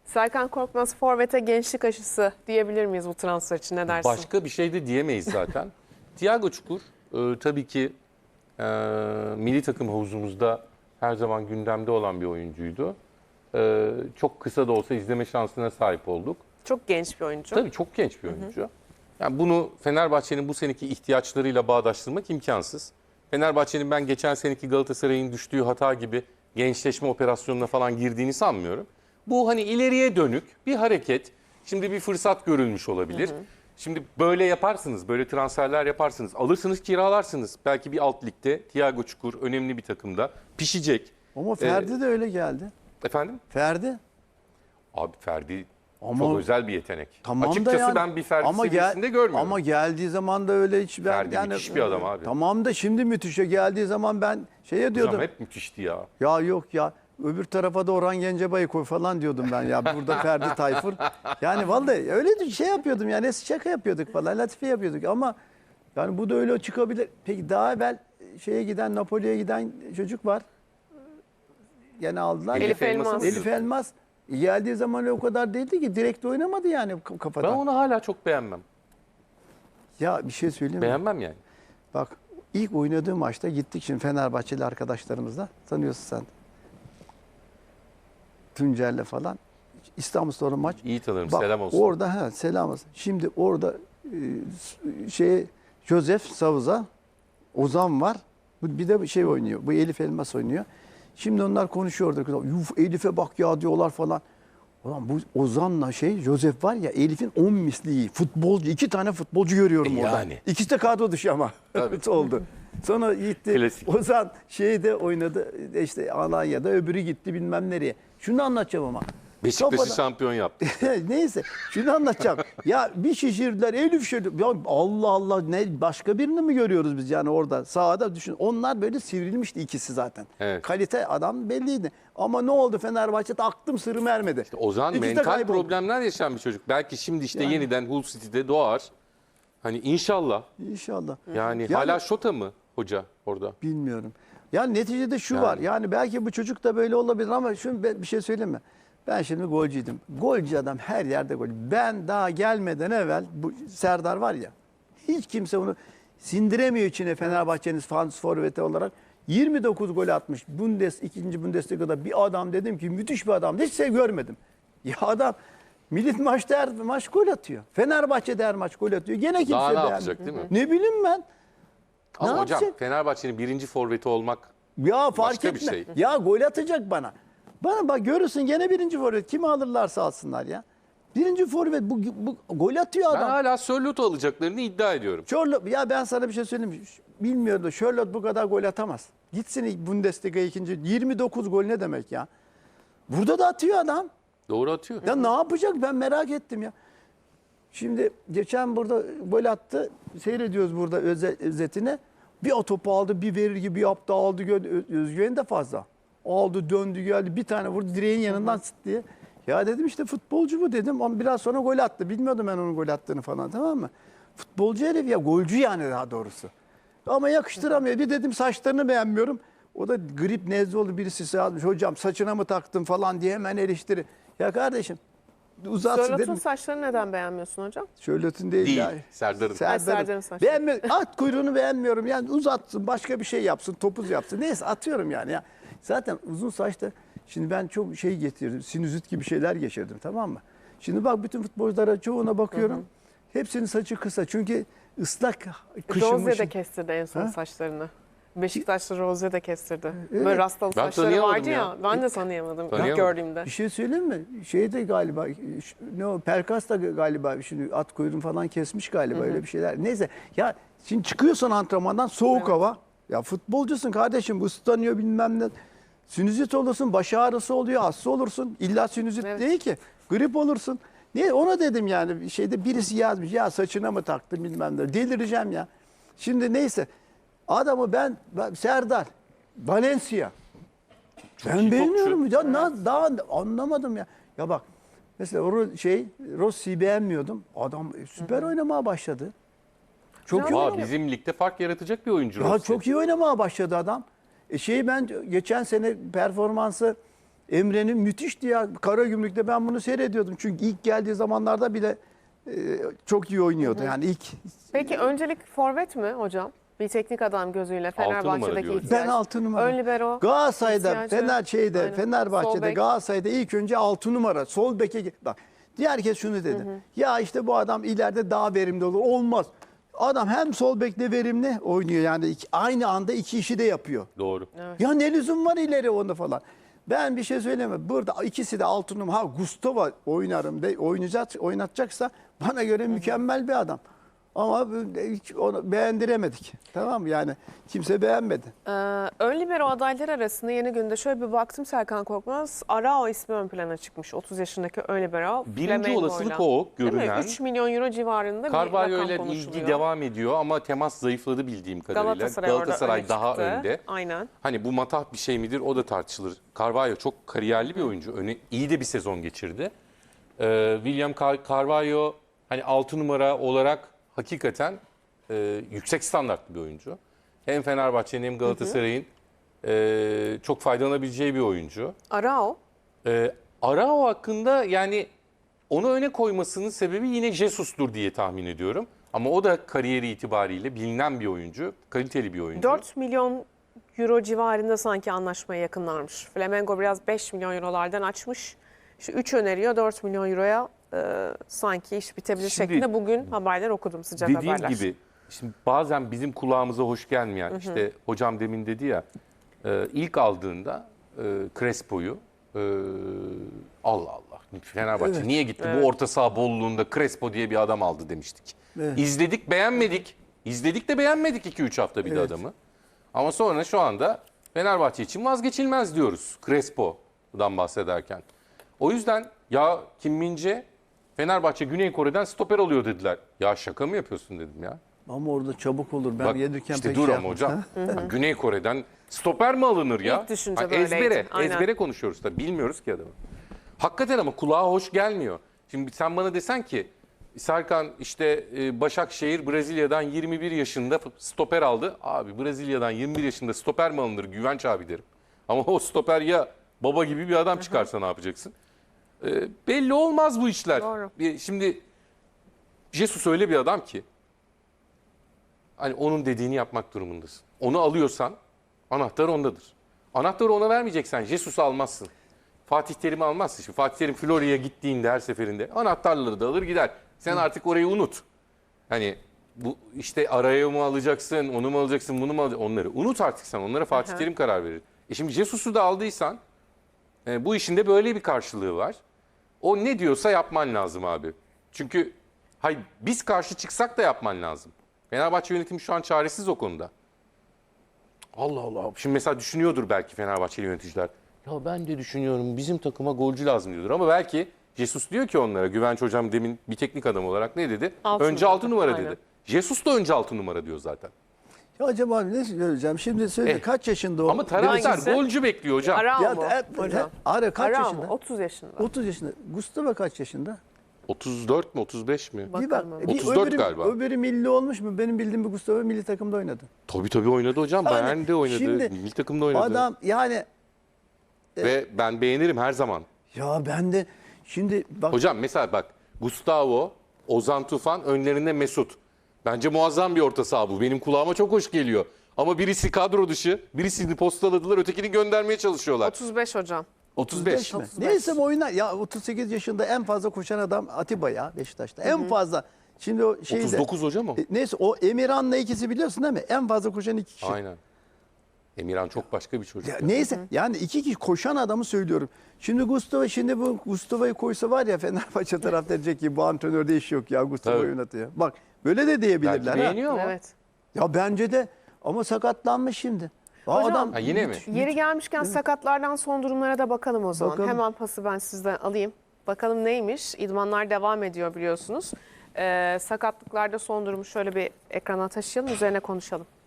Serkan Korkmaz forvete gençlik aşısı diyebilir miyiz bu transfer için, ne dersin? Başka bir şey de diyemeyiz zaten. Thiago Çukur tabii ki milli takım havuzumuzda her zaman gündemde olan bir oyuncuydu. Çok kısa da olsa izleme şansına sahip olduk. Çok genç bir oyuncu. Tabii çok genç bir oyuncu. Yani bunu Fenerbahçe'nin bu seneki ihtiyaçlarıyla bağdaştırmak imkansız. Fenerbahçe'nin ben geçen seneki Galatasaray'ın düştüğü hata gibi gençleşme operasyonuna falan girdiğini sanmıyorum. Bu hani ileriye dönük bir hareket. Şimdi bir fırsat görülmüş olabilir. Şimdi böyle yaparsınız, böyle transferler yaparsınız. Alırsınız, kiralarsınız. Belki bir alt ligde Thiago Çukur önemli bir takımda pişecek. Ama Ferdi de öyle geldi. Efendim? Ferdi. Abi Ferdi Ama, çok özel bir yetenek. tamam Açıkçası da yani, ben bir Ferdi seviyesinde görmüyorum. Ama geldiği zaman da öyle hiç... Ferdi müthiş bir adam abi. Tamam da şimdi müthişe geldiği zaman ben şeye diyordum. Hocam hep müthişti ya. Ya yok ya, öbür tarafa da Orhan Gencebay'ı koy falan diyordum ben ya. Burada Ferdi Tayfur. Yani vallahi öyle şey yapıyordum yani, şaka yapıyorduk falan, latife yapıyorduk ama yani bu da öyle çıkabilir. Peki daha evvel şeye giden, Napoli'ye giden çocuk var. Gene aldılar. Elif Elmas. Elif Elmas. Geldiği zaman o kadar değildi ki, direkt oynamadı yani kafadan. Ben onu hala çok beğenmem. Ya bir şey söyleyeyim mi? Beğenmem yani. Bak ilk oynadığı maçta gittik şimdi Fenerbahçeli arkadaşlarımızla. Tanıyorsun sen. Tuncer'le falan. İstanbulspor'un maç. İyi tanırım. Bak, Selam olsun. Orada selam olsun. Şimdi orada Joseph Savuza, Ozan var. Bir de şey oynuyor. Bu Elif Elmas oynuyor. Şimdi onlar konuşuyordu. Yuf Elif'e bak ya diyorlar falan. Ulan bu Ozan'la Joseph var ya, Elif'in 10 misli iyi. Futbolcu, 2 tane futbolcu görüyorum orada. Yani. İkisi de kadro dışı ama. oldu. Sonra gitti. Klasik. Ozan şeyde oynadı. İşte Alanya'da, öbürü gitti bilmem nereye. Şunu anlatacağım ama. Beşiktaş'ı Kafadan- şampiyon yaptı. Neyse şunu anlatacağım. Ya bir şişirdiler, Elif şişirdi. Ya Allah Allah, ne başka birini mi görüyoruz biz yani orada sahada, düşün. Onlar böyle sivrilmişti ikisi zaten. Evet. Kalite adam belliydi. Ama ne oldu Fenerbahçe'de, aklım sırrım ermedi. Ozan İkisi de mental kayboldu. problemler yaşayan bir çocuk. Belki şimdi işte Yani. yeniden Hull City'de doğar. Hani inşallah. İnşallah. Yani hala Şota mı hoca orada? Bilmiyorum. Yani neticede şu Yani. var. Yani belki bu çocuk da böyle olabilir ama şunu bir şey söyleyeyim mi? Ben şimdi golcüydüm. Golcü adam her yerde gol. Ben daha gelmeden evvel bu Serdar var ya, hiç kimse onu sindiremiyor içine, Fenerbahçe'nin forveti olarak. 29 gol atmış. 2. Bundesliga'da bir adam, dedim ki müthiş bir adam. Hiç şey görmedim. Ya adam milli maçta her maç gol atıyor. Fenerbahçe'de her maç gol atıyor. Gene kimse Daha ne beğenmiyor. yapacak değil mi? Ne bileyim ben. Ama Ne hocam yapacak? Fenerbahçe'nin birinci forveti olmak Ya fark başka bir etme. şey. Ya gol atacak bana. Bana bak, görürsün gene birinci forvet. Kimi alırlarsa alsınlar ya. Birinci forvet bu gol atıyor ben adam. hala Sörlot'u alacaklarını iddia ediyorum. Charlotte, ya ben sana bir şey söyleyeyim mi? Bilmiyorum da Charlotte bu kadar gol atamaz. Gitsin Bundesliga 2. 29 gol ne demek ya? Burada da atıyor adam. Doğru atıyor. Ya ne yapacak, ben merak ettim ya. Şimdi geçen burada gol attı. Seyrediyoruz burada özetine. Bir o topu aldı, bir verir gibi yaptı, aldı, özgüveni de fazla. Aldı, döndü, geldi, bir tane vurdu direğin yanından sıt diye. Ya dedim işte futbolcu bu dedim, ama biraz sonra gol attı. Bilmiyordum ben onun gol attığını falan, tamam mı? Futbolcu herif ya, golcü yani daha doğrusu. Ama yakıştıramıyor. Bir dedim saçlarını beğenmiyorum. O da grip nezle oldu, birisi yazmış. Hocam saçına mı taktın falan diye hemen eleştiri. Ya kardeşim uzatsın Sörlot'un dedim. saçlarını neden beğenmiyorsun hocam? Şöhlet'in değil, Değil. ya. Serdar'ın. Serdar'ın saçları. Beğenmiyorum. At kuyruğunu beğenmiyorum. Yani uzatsın, başka bir şey yapsın, topuz yapsın. Neyse atıyorum yani ya. Zaten uzun saçta, şimdi ben çok şey getirdim. Sinüzit gibi şeyler geçirdim, tamam mı? Şimdi bak bütün futbolculara çoğuna bakıyorum. Hepsinin saçı kısa. Çünkü ıslak kışın. Rozier de kestirdi en son saçlarını. Beşiktaşlı Rozier de kestirdi. Evet. Böyle rastalı Ben saçları tanıyamadım vardı ya. ya. Ben de tanıyamadım ilk Tanıyamadım. gördüğümde. Bir şey söyleyeyim mi? Şeyde galiba, ne o, Pelkas da galiba şimdi at kuyruğunu falan kesmiş galiba, öyle bir şeyler. Neyse ya, şimdi çıkıyorsun antrenmandan, soğuk hava. Ya futbolcusun kardeşim, bu ıslanıyor bilmem ne. Sinüzit olursun, baş ağrısı oluyor, hasta olursun. İlla sinüzit değil ki. Grip olursun. Niye? Ona dedim yani, şeyde birisi yazmış ya, saçına mı taktın bilmem ne. Delireceğim ya. Şimdi neyse. Adamı ben Serdar, Valencia. Ben iyi beğeniyorum. topçu. Ya daha anlamadım ya. Ya bak mesela Rossi'yi beğenmiyordum. Adam süper oynamaya başladı. Çok iyi Aa, oynamaya. bizim ligde fark yaratacak bir oyuncu. Ya Rossi. çok iyi oynamaya başladı adam. Ben geçen sene performansı Emre'nin müthişti ya. Karagümrük'te ben bunu seyrediyordum. Çünkü ilk geldiği zamanlarda bile çok iyi oynuyordu. Yani ilk Peki öncelik forvet mi hocam? Bir teknik adam gözüyle numara Fenerbahçe'deki diyoruz. ihtiyaç. ben 6 numara. Ön libero. Galatasaray'da, ihtiyacı. Aynen. Sol Fenerbahçe'de, bek. Galatasaray'da ilk önce 6 numara. Sol beke bak. Diğer herkes şunu dedi. Ya işte bu adam ileride daha verimli olur. Olmaz. Adam hem sol bekle verimli oynuyor yani aynı anda iki işi de yapıyor. Doğru. Ya ne lüzum var ileri onda falan. Ben bir şey söyleyemem. Burada ikisi de 6 numara. Ha Gustavo oynarım de oynatacaksa bana göre mükemmel bir adam. Ama hiç onu beğendiremedik. Tamam mı? Yani kimse beğenmedi. Ön libero adayları arasında yeni günde şöyle bir baktım Serkan Korkmaz. Arao ismi ön plana çıkmış. 30 yaşındaki ön libero. Birinci Flamengo'yla. olasılık o Değil mi? görünen. 3 milyon euro civarında bir Carvalho rakam ile konuşuluyor. ilgi devam ediyor ama temas zayıfladı bildiğim kadarıyla. Galatasaray, orada daha öne çıktı. önde. Aynen. Hani bu matah bir şey midir o da tartışılır. Carvalho çok kariyerli bir oyuncu. İyi de bir sezon geçirdi. William Carvalho hani 6 numara olarak hakikaten yüksek standartlı bir oyuncu. Hem Fenerbahçe'nin hem Galatasaray'ın çok faydalanabileceği bir oyuncu. Arao. Arao hakkında yani onu öne koymasının sebebi yine Jesus'tur diye tahmin ediyorum. Ama o da kariyeri itibariyle bilinen bir oyuncu, kaliteli bir oyuncu. 4 milyon euro civarında sanki anlaşmaya yakınlarmış. Flamengo biraz 5 milyon eurolardan açmış. İşte 3 öneriyor 4 milyon euroya sanki iş bitebilir Şimdi, şeklinde bugün haberler okudum, sıcak Dediğim haberler. gibi şimdi bazen bizim kulağımıza hoş gelmeyen işte hocam demin dedi ya ilk aldığında Crespo'yu Allah Allah Fenerbahçe Evet. niye gitti bu orta saha bolluğunda Crespo diye bir adam aldı demiştik. Evet. İzledik beğenmedik. İzledik de beğenmedik 2-3 hafta bir de Evet. adamı. Ama sonra şu anda Fenerbahçe için vazgeçilmez diyoruz Crespo'dan bahsederken. O yüzden ya Kim Min-jae Fenerbahçe Güney Kore'den stoper alıyor dediler. Ya şaka mı yapıyorsun dedim ya. Ama orada çabuk olur. Ben Bak gelirken işte pek dur şey ama yapmadım. hocam. Bak, Güney Kore'den stoper mi alınır ya? İlk düşünce Bak, böyleydi. ezbere, Aynen. ezbere konuşuyoruz da bilmiyoruz ki adamı. Hakikaten ama kulağa hoş gelmiyor. Şimdi sen bana desen ki Serkan işte Başakşehir Brezilya'dan 21 yaşında stoper aldı. Abi Brezilya'dan 21 yaşında stoper mi alınır Güvenç abi derim. Ama o stoper ya baba gibi bir adam çıkarsa ne yapacaksın? Belli olmaz bu işler. Doğru. Şimdi Jesus öyle bir adam ki hani onun dediğini yapmak durumundasın. Onu alıyorsan anahtar ondadır. Anahtarı ona vermeyeceksen Jesus'u almazsın. Fatih Terim'i almazsın. Şimdi Fatih Terim Florya'ya gittiğinde her seferinde anahtarları da alır gider. Sen artık orayı unut. Hani bu işte araya mı alacaksın, onu mu alacaksın, bunu mu alacaksın onları. Unut artık sen. Onlara Fatih Terim karar verir. Şimdi Jesus'u da aldıysan bu işin de böyle bir karşılığı var. O ne diyorsa yapman lazım abi. Çünkü hayır, biz karşı çıksak da yapman lazım. Fenerbahçe yönetimi şu an çaresiz o konuda. Allah Allah. Şimdi mesela düşünüyordur belki Fenerbahçeli yöneticiler. Ya ben de düşünüyorum bizim takıma golcü lazım diyordur. Ama belki Jesus diyor ki onlara, Güvenç hocam demin bir teknik adam olarak ne dedi? Altı Önce numara. 6 numara Aynen. dedi. Jesus da önce 6 numara diyor zaten. Ya acaba abi ne söyleyeceğim? Şimdi söyle kaç yaşında o? Ama taraftar Hangisi? golcü bekliyor hocam. Arao Ya, mu hocam? Ara kaç Arao yaşında? mu? 30 yaşında. 30 yaşında. Gustavo kaç yaşında? 34 mi 35 mi? Bakalım Bir bak. ama. Bir 34 öbürü, galiba. Öbürü milli olmuş mu? Benim bildiğim bir Gustavo milli takımda oynadı. Tabii oynadı hocam. Yani Bayern de oynadı. şimdi Milli takımda oynadı. Adam yani Ve ben beğenirim her zaman. ya ben de şimdi bak Hocam mesela bak Gustavo, Ozan Tufan önlerinde Mesut. Bence muazzam bir orta saha bu. Benim kulağıma çok hoş geliyor. Ama birisi kadro dışı, birisini postaladılar, ötekini göndermeye çalışıyorlar. 35 hocam. 35. mi? 35. Neyse oynar. Ya 38 yaşında en fazla koşan adam Atiba ya Beşiktaş'ta. En fazla. Şimdi o şeyde. 39 hocam o. Neyse o Emirhan'la ikisi biliyorsun değil mi? En fazla koşan iki kişi. Aynen. Emirhan çok başka bir çocuk. Ya neyse yani iki kişi koşan adamı söylüyorum. Şimdi bu Gustavo'yu koysa var ya Fenerbahçe taraftarı diyecek ki bu antrenörde iş yok ya Gustavo Tabii. oynatıyor. Bak böyle de diyebilirler. Belki ha. beğeniyor ama. Evet. Ya bence de ama sakatlanmış şimdi. Hocam, Ha, yine mi? Yeri gelmişken sakatlardan son durumlara da bakalım o zaman. Bakalım. Hemen pası ben sizden alayım. Bakalım neymiş? İdmanlar devam ediyor biliyorsunuz. Sakatlıklarda son durumu şöyle bir ekrana taşıyalım, üzerine konuşalım.